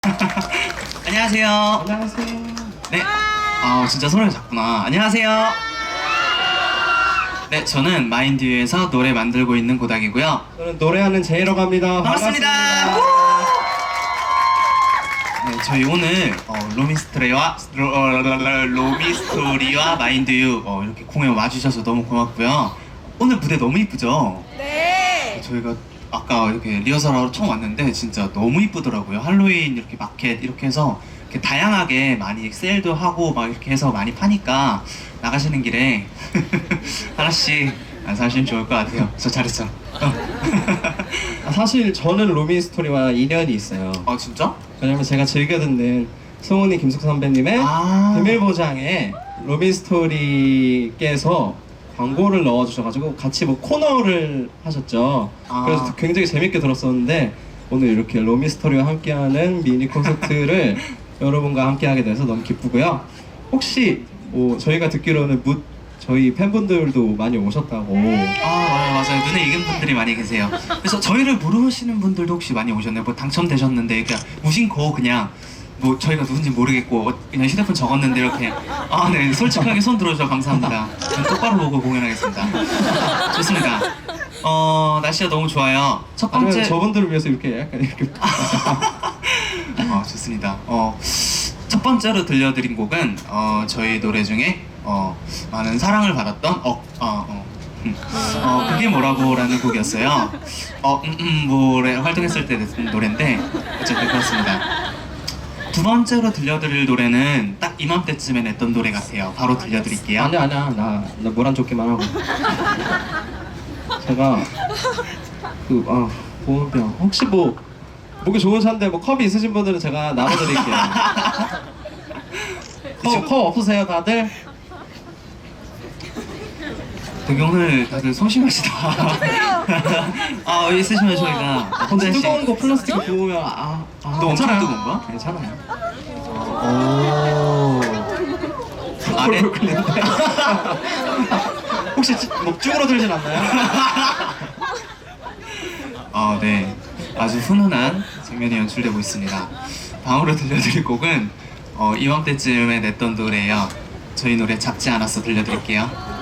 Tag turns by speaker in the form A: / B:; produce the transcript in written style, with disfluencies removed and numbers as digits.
A: 안녕하세요.
B: 안녕하세요.
A: 네. 아, 진짜 소리가 작구나. 안녕하세요. 네, 저는 마인드유에서 노래 만들고 있는 고닥이고요.
B: 저는 노래하는 제이라고 합니다.
A: 반갑습니다. 네, 저희 오늘 로미스토리와 마인드유 이렇게 공연 와주셔서 너무 고맙고요. 오늘 무대 너무 이쁘죠?
C: 네.
A: 저희가 아까 이렇게 리허설하러 처음 왔는데 진짜 너무 이쁘더라고요. 할로윈 이렇게 마켓 이렇게 해서 이렇게 다양하게 많이 세일도 하고 막 이렇게 해서 많이 파니까 나가시는 길에 하나씩 안 사시면 좋을 것 같아요. 저 잘했어.
B: 사실 저는 로미스토리와 인연이 있어요.
A: 진짜?
B: 왜냐면 제가 즐겨 듣는 송은이 김숙 선배님의 비밀보장에 로미스토리께서 광고를 넣어주셔가지고 같이 뭐 코너를 하셨죠. 그래서 굉장히 재밌게 들었었는데 오늘 이렇게 로미스토리와 함께하는 미니 콘서트를 여러분과 함께하게 돼서 너무 기쁘고요. 혹시 뭐 저희가 듣기로는 저희 팬분들도 많이 오셨다고.
A: 맞아요. 눈에 익은 분들이 많이 계세요. 그래서 저희를 모르시는 분들도 혹시 많이 오셨네요. 뭐 당첨되셨는데 그냥 무심코 그냥 뭐 저희가 누군지 모르겠고 그냥 휴대폰 적었는데 이렇게 네, 솔직하게 손 들어주셔서 감사합니다. 저는 똑바로 보고 공연하겠습니다. 좋습니다. 날씨가 너무 좋아요. 첫 번째
B: 아니면 저분들을 위해서 이렇게 약간 이렇게
A: 좋습니다. 첫 번째로 들려드린 곡은 저희 노래 중에 많은 사랑을 받았던 그게 뭐라고라는 곡이었어요. 뭐래 활동했을 때 냈던 노래인데 어쨌든 그렇습니다. 두 번째로 들려드릴 노래는 딱 이맘때쯤에 냈던 노래 같아요. 바로 들려드릴게요.
B: 아니야 나 물 안 좋기만 하고. 제가 보온병 혹시 뭐 목이 좋은 차인데 뭐 컵이 있으신 분들은 제가 나눠드릴게요. 컵 없으세요 다들?
A: 되게 오늘 다들 소심하시다. 있으시면 저희가 혼자
B: 뜨거운 거 플라스틱 부으면
A: 너 엄청 뜨거운가?
B: 괜찮아요.
A: 네?
B: 혹시 목 쭈그러들진 않나요?
A: 네. 아주 훈훈한 장면이 연출되고 있습니다. 다음으로 들려드릴 곡은 이맘때쯤에 냈던 노래예요. 저희 노래 잡지 않았어 들려드릴게요.